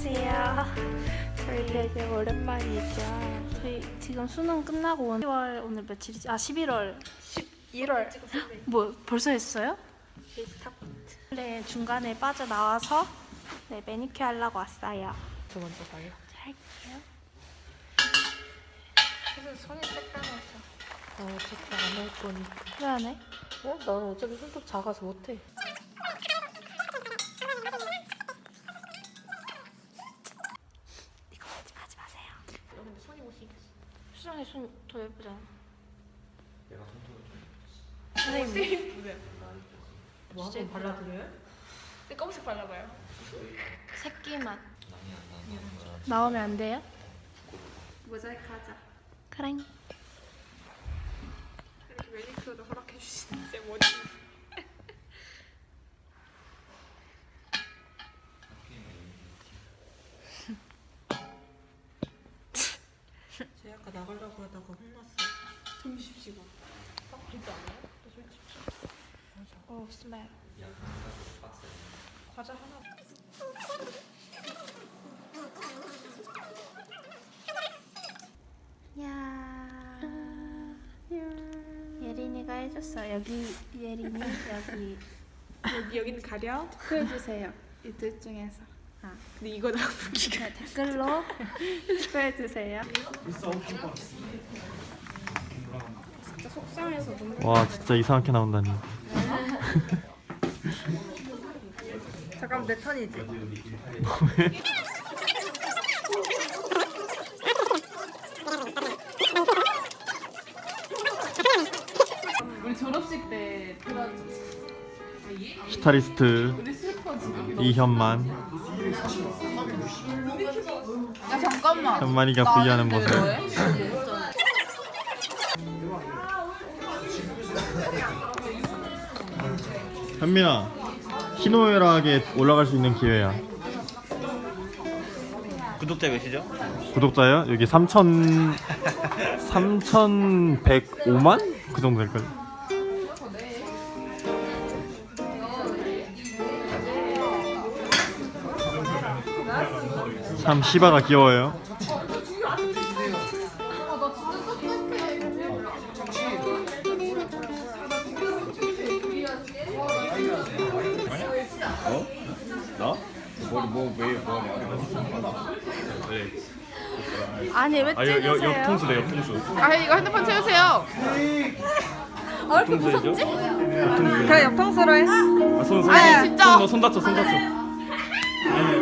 안녕하세요. 저희 되게 오랜만이죠. 저희 지금 수능 끝나고 10월 오늘 며칠이지? 11월 11월 뭐 벌써 했어요? 네, 중간에 빠져나와서 네, 매니큐어 하려고 왔어요. 저 먼저 가요. 할게요. 그래서 손이 쬐까매서. 어차피 안 할 거니까. 왜 안 해? 나는 어차피 손톱 작아서 못해. 이거 하지 마세요. 근데 손이 못생겼어. 수정이 손 더 예쁘잖아. 내가 손톱을 좀 선생님 뭐 한번 발라드려요? 검은색 발라봐요. 새끼만 많이 안 나는 거야. 나오면 안 돼요? 모자이크 하자. 그래. 이렇게 매니큐어도 허락해 주시는데 뭐지? 쟤 아까 나가려고 하다가 혼났어. 점심시간. 그러지 않아요? 솔직히. 오 스멜. 과자 하나. 야. 예린이가 해줬어. 여기 예린이 여기는 가려? 투표해주세요. 이 둘 중에서. 근데 이거 나 웃기가. 네, 댓글로 투표해주세요. 진짜 속상해서 눈물. 와 진짜 이상하게 나온다니. 잠깐 내 턴이지. 우리 졸업식 때 들어줘. 스타리스트 우리 슬퍼 지금. 이현만. 야 잠깐만. 현만이가 부위하는 모습. 현민아, 희노애락에 올라갈 수 있는 기회야. 구독자 몇이죠? 구독자요? 여기 3,105만? 그 정도 될걸. 참 시바가 귀여워요. 나? 뭐왜 아니 왜 찍으세요? 옆통수래 옆통수. 아 이거 핸드폰 채우세요. 왜 이렇게 무섭지? 그래 옆통수로 해. 손 아니, 진짜. 손 다쳐. 아니